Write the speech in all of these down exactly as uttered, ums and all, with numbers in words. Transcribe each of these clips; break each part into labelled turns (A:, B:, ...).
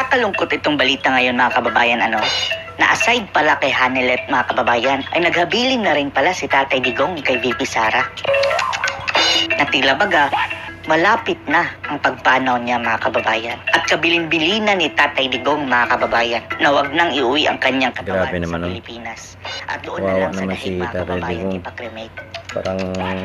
A: Nakakalungkot itong balita ngayon mga kababayan, ano? Na aside pala kay Hanelet mga kababayan, ay naghabilin na rin pala si Tatay Digong kay V P Sara. Na tila baga, malapit na ang pagpanaw niya mga kababayan. At kabilin-bilinan ni Tatay Digong mga kababayan na wag nang iuwi ang kanyang katawan sa
B: naman,
A: Pilipinas. At doon
B: Wawa
A: na lang sa
B: naman
A: daig
B: si
A: mga
B: Tatay
A: kababayan
B: Digong.
A: ipakremate.
B: Parang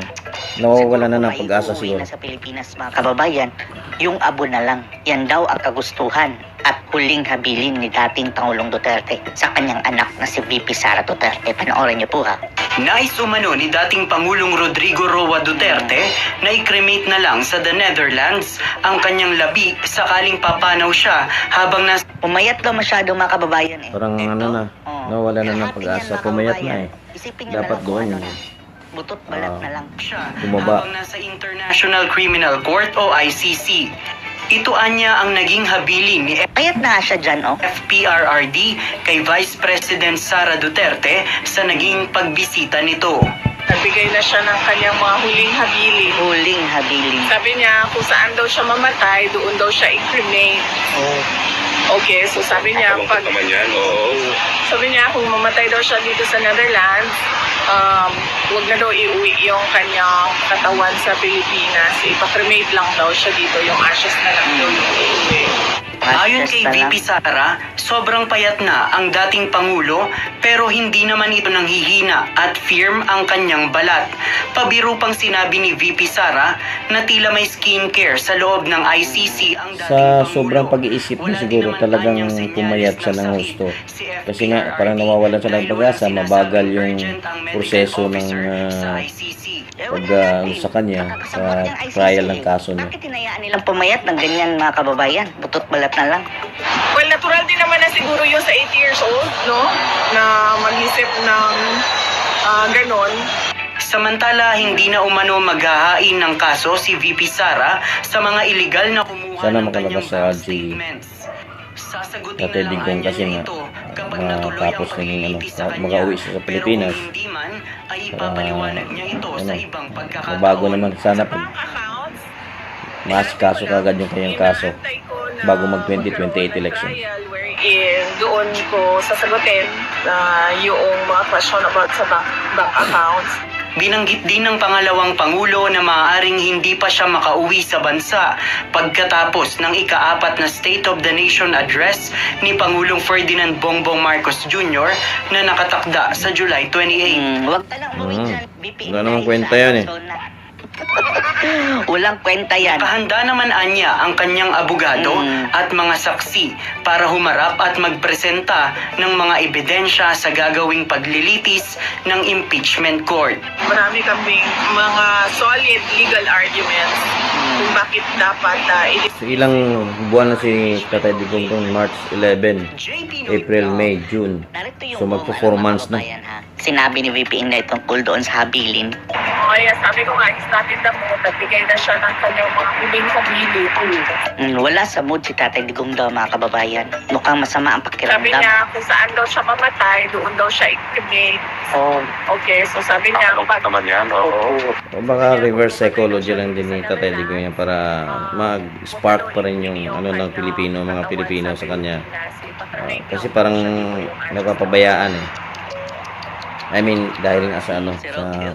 B: nawawala na ng pag-asa
A: Siguro
B: siguro.
A: na sa Pilipinas mga kababayan, yung abo na lang. Yan daw ang kagustuhan at huling habilin ni dating Pangulong Duterte sa kanyang anak na si V P Sara Duterte. Panoorin niyo po ha.
C: Nais umano ni dating Pangulong Rodrigo Roa Duterte na i-cremate na lang sa the Netherlands ang kanyang labi sakaling papanaw siya habang nasa...
A: Pumayat daw masyado mga kababayan eh.
B: Parang ano na,
A: Oh.
B: nawawala na ng
A: Lahat
B: pag-asa.
A: yan, mga
B: Pumayat na
A: kababayan.
B: eh.
A: Isipin niyo
B: Dapat
A: na lang kung
B: doon.
A: ano na. Butot balat
B: Ah.
A: na lang.
C: siya
B: Bumaba.
C: habang nasa International Criminal Court o I C C. Ito anya ang naging habilin ni
A: Payat na siya dyan oh.
C: F P R R D kay Vice President Sara Duterte sa naging pagbisita nito.
D: Nagbigay na siya ng kanyang mga huling habilin.
A: Huling habilin.
D: Sabi niya kung saan daw siya mamatay, doon daw siya i-cremate.
A: Oh.
D: Okay, so sabi niya, pag,
E: naman yan, oo.
D: sabi niya kung mamatay daw siya dito sa Netherlands, um, huwag na daw iuwi yung kanyang katawan sa Pilipinas. Ipa-cremate lang daw siya dito, yung ashes na lang daw yung iuwi.
C: Ayon
A: Ashes
C: kay
A: na
C: V
A: lang.
C: P Sara, sobrang payat na ang dating Pangulo pero hindi naman ito nanghihina at firm ang kanyang balat. Pabiro pang sinabi ni V P Sara na tila may skincare sa loob ng I C C ang dating
B: Sa
C: Pangulo.
B: sobrang pag-iisip niya
C: Wala
B: siguro
C: din naman
B: talagang
C: anyang senyales
B: pumayat siya
C: na
B: ng
C: sakit
B: husto.
C: si F P
B: Kasi nga
C: R R D
B: parang nawawalan siya ng
C: dahil
B: pag-asa,
C: walang
B: mabagal
C: sinasabing
B: yung
C: urgent ang medical
B: proseso ng
C: officer sa
B: ah,
C: I C C.
B: pag ah, sa kanya sa trial ng kaso niya.
A: Bakit hinayaan nilang pumayat ng ganyan mga kababayan? Butot balat na lang.
D: Well, natural din naman na siguro yun sa eighty years old, no? Na mag-isip ng uh, ganon.
C: Samantala, hindi na umano maghahain ng kaso si V P Sara sa mga iligal na kumuha
B: Sana
C: ng
B: makalabas
C: kanyang
B: sa
C: bank
B: R G.
C: statements. Sasagutin
B: Tatay
C: na lang
B: Digong
C: anya
B: kasi
C: niya
B: nga,
C: ito kapag natuloy ang
B: matapos naging ano,
C: paglilitis sa kanya.
B: makauwi siya sa
C: Pero
B: Pilipinas.
C: kung hindi man, ay ipapaliwanag niya ito
B: ano,
C: sa ibang pagkakataon.
B: mabago naman sana pag
D: Bank accounts,
B: maasikaso kagad yung kanyang kaso
D: inaantay ko na
B: bago mag twenty twenty-eight
D: magkaroon ng
B: election.
D: trial wherein doon ko sasagutin na yung mga question about sa bank, bank accounts.
C: Binanggit din ng pangalawang Pangulo na maaaring hindi pa siya makauwi sa bansa pagkatapos ng ikaapat na State of the Nation Address ni Pangulong Ferdinand Bongbong Marcos Junior na nakatakda sa July twenty-eighth.
A: Hmm, wag ka lang umuwi
B: Hmm.
A: dyan. B P
B: Wala namang
A: Inday,
B: kwenta
A: sa
B: yan eh.
A: Arizona. Walang kwenta yan.
C: Kahanda naman anya ang kanyang abogado
A: Mm.
C: at mga saksi para humarap at magpresenta ng mga ebidensya sa gagawing paglilitis ng impeachment court.
D: Marami kaming mga solid legal arguments kung bakit dapat uh,
B: So, ilang buwan na si Tatay Digong kung March eleven, April, May, June.
A: Narito yung
B: So,
A: buong,
B: magpo-four
A: ano, mga
B: months na.
A: kababayan, ha? Sinabi ni V P Inday tungkol doon sa habilin.
D: Kaya sabi ko nga, it's not in the mood. Nagbigay na siya ng kanyang mga huling habilin.
A: Mm, wala sa mood si Tatay Digong daw mga kababayan. Mukhang masama ang
D: Sabi
A: pakiramdam.
D: niya, kung saan daw siya mamatay, doon daw siya i-cremate.
A: Oh,
D: Okay, so sabi niya,
E: Nakalungkot
D: pag,
E: naman yan, oo.
B: O baka reverse psychology lang din ni Tatay Digong yan para mag-spark pa rin yung ano ng Pilipino, mga Pilipino sa kanya. Ah, kasi parang napapabayaan eh. I mean, dahil nga sa ano, sa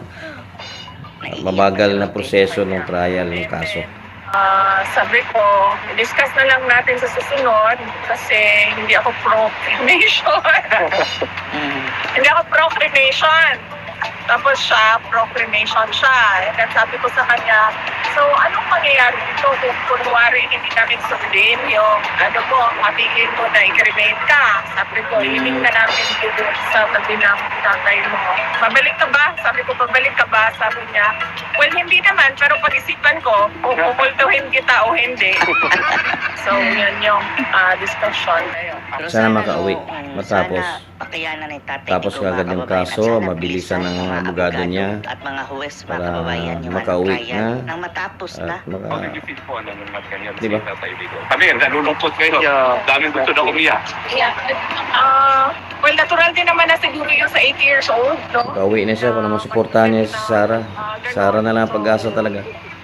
B: mabagal na proseso ng trial ng kaso.
D: Ah, sabi ko, discuss na lang natin sa susunod kasi hindi ako pro-cremation.
A: mm,
D: Hindi ako pro-cremation. Tapos siya, pro-cremation siya. And then sabi ko sa kanya, so anong mangyayari dito kung kunwari hindi namin sundin yung ano mo, mapigil mo na i-cremate ka? Sabi ko, hiling na namin dito sa tabi ng tatay mo. Pabalik ka ba? Sabi ko, pabalik ka ba? Sabi niya, well, hindi naman, pero pag-isipan ko, kung pupultuhin kita o hindi. So, yun yung ah, discussion.
A: pero
B: Sana makauwi,
A: mm,
B: matapos.
A: sana pakayanan ni Tatay
B: Tapos
A: Digong, mga
B: kagad yung
A: kababayan, at
B: kaso,
A: sana
B: mabilisan ng
A: mga
B: abogado
A: abogado
B: niya
A: at mga huwes, mga
B: para
A: kababayan, yung
B: makauwi
A: ano, trial,
B: na.
A: nang matapos na.
B: At maka,
E: Mag-defeat po ano naman ganyan
B: Di ba?
E: si Tatay Digong. Kami, nalulungkot kayo. Daming gusto na umiyak.
D: Yeah. Ah, well, natural din naman na siguro yung sa eighty years old, no?
B: makauwi na siya para masuportahan niya si Sarah. Sarah na lang ang pag-asa talaga.
D: And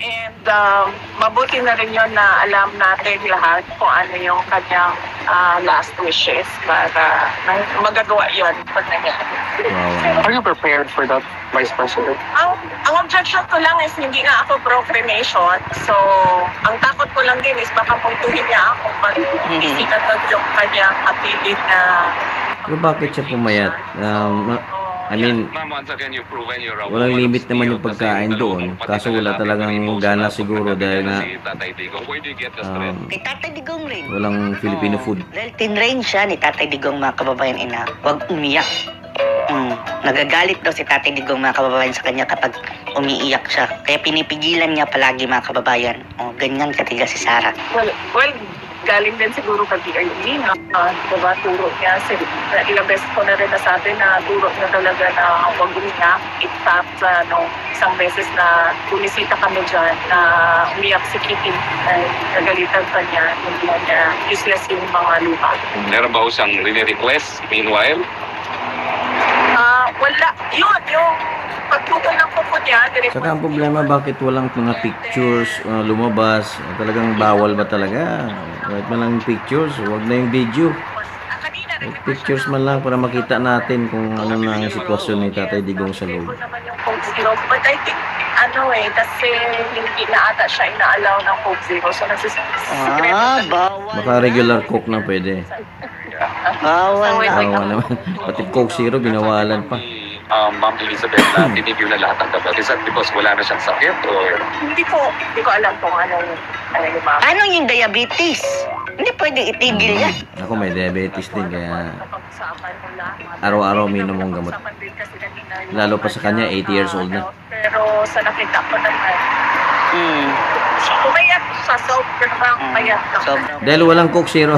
D: um, mabuti na rin yun na alam natin lahat kung ano yung kanyang ah, last wishes para ma- magagawa yun pag nangyari.
B: Wow.
E: Are you prepared for that, Vice President?
D: Ang, ang objection ko lang is hindi nga ako pro-cremation. So, ang takot ko lang din is baka puntuhin niya ako pag isitatag yung kanyang apelid na
B: Pero bakit siya pumayat? Um, ma- I mean,
E: Ma'am, once again, you've proven you're a
B: walang
E: woman
B: limit
E: of
B: naman
E: steel
B: yung
E: kasi
B: pagkain
E: dalawang
B: doon.
E: kapatid
B: Kaso
E: na
B: wala
E: lalaki,
B: talagang
E: Pilipino,
B: gana
E: sa
B: siguro
E: kapatid
B: dahil
E: na
B: na
E: si Tatay Digong. Where do you get the strength?
B: um,
A: Kay Tatay Digong rin.
B: walang Filipino
A: Oo.
B: food.
A: Dahil tinrain siya ni Tatay Digong, mga kababayan ina. Huwag umiyak. Mm. Nagagalit daw si Tatay Digong, mga kababayan, sa kanya kapag umiiyak siya. Kaya pinipigilan niya palagi, mga kababayan. O, ganyan katigas si Sarah.
D: Well, well, galing din siguro kay B R D na uh, diba, turo niya. Si, na ilang beses ko na rin nasabi na turo niya talaga na huwag umiyak. In fact, sa ano, isang beses na bumisita kami dyan na umiyak si Kitty ay nagalitan pa niya. Hindi niya useless yung mga lupa.
E: Meron ba ho siyang rini-request meanwhile?
D: Ah, wala. Yun, yung pagputol ng kuko niya. direct-
B: Saka ang problema, bakit walang mga pictures uh, lumabas? Talagang bawal ba talaga? Kahit man lang pictures, wag na yung video.
D: Ah, kanina,
B: Kahit
D: nag-request
B: pictures man lang para makita natin kung ano na ang sitwasyon ni Tatay Digong sa loob.
D: naman yung Coke Zero. But I think, ano eh, kasi hindi na ata siya ina-allow ng Coke Zero. So, nagsisikreto.
A: Ah, bawal.
B: Baka regular coke na pwede.
A: Bawal
D: So, wait,
A: na.
D: wait.
B: Bawa naman. Pati Coke Zero, binawalan pa.
E: Um, Ma'am Elizabeth, na tinibyo na lahat ng gamot. Is that because wala na siyang sakit or
D: Hindi ko, hindi ko alam kung anong, ano yung mga.
A: Ano yung diabetes? Hindi pwedeng itigil yan.
B: Ako may diabetes din, kaya
D: Napag-usapan mo lahat.
B: araw-araw minom ang gamot.
D: Napag-usapan din kasi kanina yung
B: Lalo pa sa kanya, eighty years old na.
D: ano, Pero sa nakita ko naman,
A: Hmm.
D: pumayat sa sobrang pumayat ka.
A: Sobrang.
B: Dahil walang Coke Zero.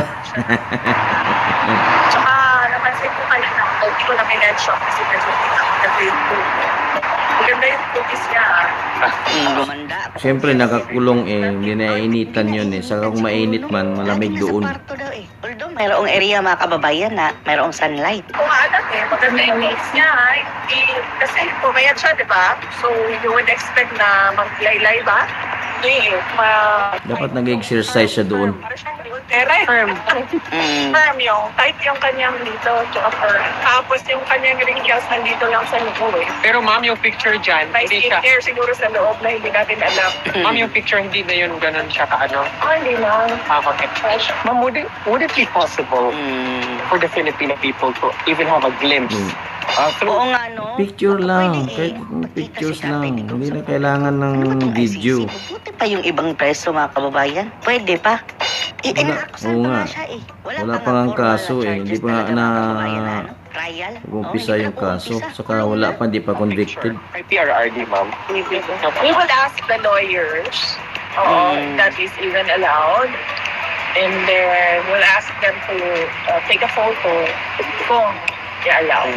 D: Tsaka napansin ko kanina, hindi ko na minention kasi medyo naganda yung cookies. Maganda yung cookies niya ah.
A: Hmm, gumanda.
B: Siyempre, nakakulong eh. Hindi nainitan yun eh. Saka kung mainit man, malamig
A: Lagi
B: doon.
A: Nasa kwarto daw eh. Although mayroong area, mga kababayan, na mayroong sunlight.
D: Kung alam eh, maganda yung mix niya. Eh, kasi pumayat siya, di ba? So, you would expect na maglaylay ba? Hindi eh. Ma-
B: Dapat nag-exercise siya doon.
D: Para siyang Terra firm.
A: Hmm.
D: Firm yung, tight yung kanyang dito, tsaka firm. Tapos yung kanyang wrinkles nandito lang sa loob eh.
F: Pero ma'am, yung picture dyan,
D: May
F: hindi siya.
D: skincare siguro sa loob na hindi natin alam.
F: Ma'am, yung picture, hindi na yun ganun siya kaano.
D: Ah, hindi lang.
F: Ah, okay. Ma'am, would it, would it be possible
A: Hmm.
F: for the Filipino people to even have a glimpse
B: Hmm.
F: uh, through
A: Oo nga, no?
B: Picture
A: Baka
B: lang.
A: pwede eh.
B: Kahit
A: Makita
B: pictures
A: si Tatay
B: lang.
A: Digong
B: Hindi
A: sa
B: na
A: loob.
B: kailangan ng
A: Ano ba itong
B: video.
A: I C C? Buti pa yung ibang preso, mga kababayan. Pwede pa. Eh, eh,
B: Wala.
A: naakusan
B: Oo
A: pa
B: nga.
A: nga siya eh. Wala,
B: Wala
A: pa
B: pa nga
A: formal
B: kaso
A: na
B: eh.
A: charges
B: Hindi pa nga
A: talaga, mga
B: na
A: kababayan, na, ano? Trial?
B: umpisa
A: Oo,
B: yung
A: hindi pa
B: kaso.
A: umpisa.
B: Saka wala pa, hindi pa convicted.
F: kay P R R D, ma'am.
D: We will ask the lawyers uh,
A: Mm.
D: that is even allowed. And then we'll ask them to uh, take a photo kung i-allow.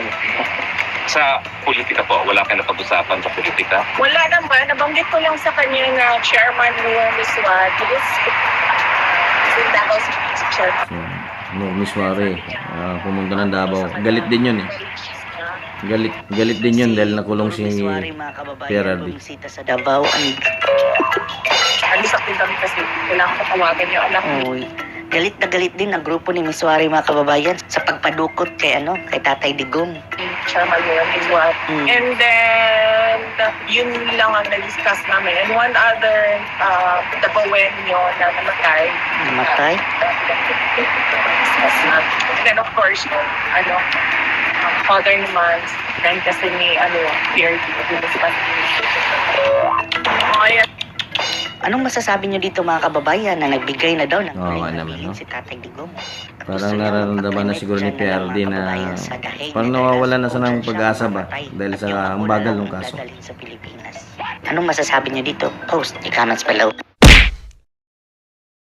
E: sa politika po? Wala kayong napag-usapan sa politika?
D: Wala naman. Nabanggit ko lang sa kanya na chairman ni Miss Wat. He is uh, Davao City chairman.
B: So, no, Miss Wari, ah, pumunta ng Davao. Galit din yun eh. Galit, galit din yun dahil nakulong si
A: Miswari, mga
B: P R
A: kababayan,
B: D.
A: bumisita sa Davao. Ang
D: Alisak din kami kasi kailangan ko tawagan yung anak niya.
A: Uy, galit na galit din ang grupo ni Miswari, mga kababayan, sa pagpadukot kay ano, kay Tatay Digong.
D: Chairman ni Miss Wat.
A: Mm.
D: And then, yun lang ang na-discuss namin. And one other, uh, Dabawenyo na namatay.
A: Namatay?
D: Discuss natin. And then of course, yung, ano, um, father naman, friend kasi ni, ano, P R D, discuss. Ayan.
A: Anong masasabi niyo dito, mga kababayan, na nagbigay na daw ng
B: Oo nga
A: tuloy na
B: naman,
A: bilhin
B: no?
A: si Tatay Digong? At
B: Parang
A: gusto niya
B: nararamdaman na
A: makapanik
B: siguro ni
A: dyan
B: P R D
A: ng mga
B: na
A: kababayan sa dahig
B: parang
A: na
B: nawawala na sa
A: dahil
B: ng pag-asa ba
A: mamatay.
B: dahil sa
A: Yung
B: ang
A: ako
B: bagal
A: na
B: ng kaso.
A: dadalhin sa Pilipinas. Anong masasabi niyo dito? Post, i-comments below.